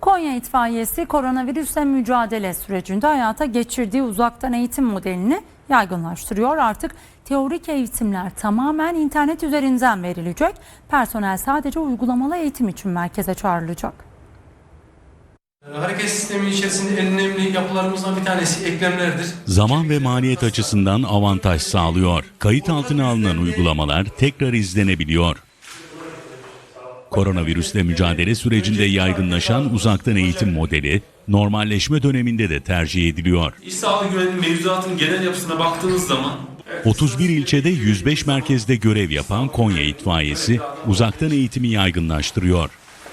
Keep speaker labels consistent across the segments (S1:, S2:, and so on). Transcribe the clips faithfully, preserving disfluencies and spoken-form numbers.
S1: Konya İtfaiyesi koronavirüsle mücadele sürecinde hayata geçirdiği uzaktan eğitim modelini yaygınlaştırıyor. Artık teorik eğitimler tamamen internet üzerinden verilecek. Personel sadece uygulamalı eğitim için merkeze çağrılacak.
S2: Hareket sistemi içerisinde en önemli yapılarımızdan bir tanesi eklemlerdir.
S3: Zaman ve maliyet açısından avantaj sağlıyor. Kayıt altına alınan uygulamalar tekrar izlenebiliyor. Koronavirüsle mücadele sürecinde yaygınlaşan uzaktan eğitim modeli, normalleşme döneminde de tercih ediliyor.
S2: İş sağlığı güvenliği mevzuatının genel yapısına baktığınız zaman
S3: otuz bir ilçede yüz beş merkezde görev yapan Konya İtfaiyesi uzaktan eğitimi yaygınlaştırıyor.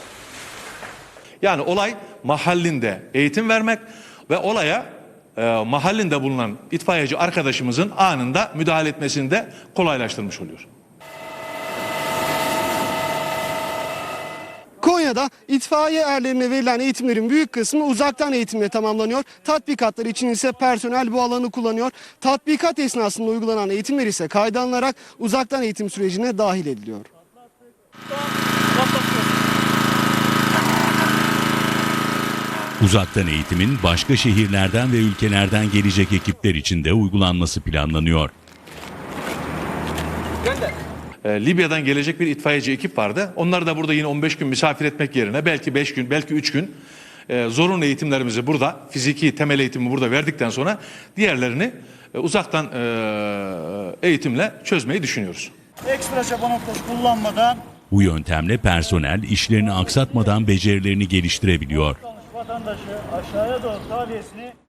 S4: Yani olay mahallinde eğitim vermek ve olaya e, mahallinde bulunan itfaiyeci arkadaşımızın anında müdahale etmesini de kolaylaştırmış oluyor.
S5: Konya'da itfaiye erlerine verilen eğitimlerin büyük kısmı uzaktan eğitimle tamamlanıyor. Tatbikatlar için ise personel bu alanı kullanıyor. Tatbikat esnasında uygulanan eğitimler ise kayda alınarak uzaktan eğitim sürecine dahil ediliyor.
S3: Uzaktan eğitimin başka şehirlerden ve ülkelerden gelecek ekipler için de uygulanması planlanıyor.
S4: E, Libya'dan gelecek bir itfaiyeci ekip vardı. Onları da burada yine on beş gün misafir etmek yerine belki beş gün, belki üç gün e, zorunlu eğitimlerimizi burada, fiziki temel eğitimi burada verdikten sonra diğerlerini e, uzaktan e, eğitimle çözmeyi düşünüyoruz.
S6: Ekstra çaba noktası kullanmadan
S3: Bu yöntemle personel işlerini aksatmadan becerilerini geliştirebiliyor.
S6: vatandaşı aşağıya doğru tahliyesini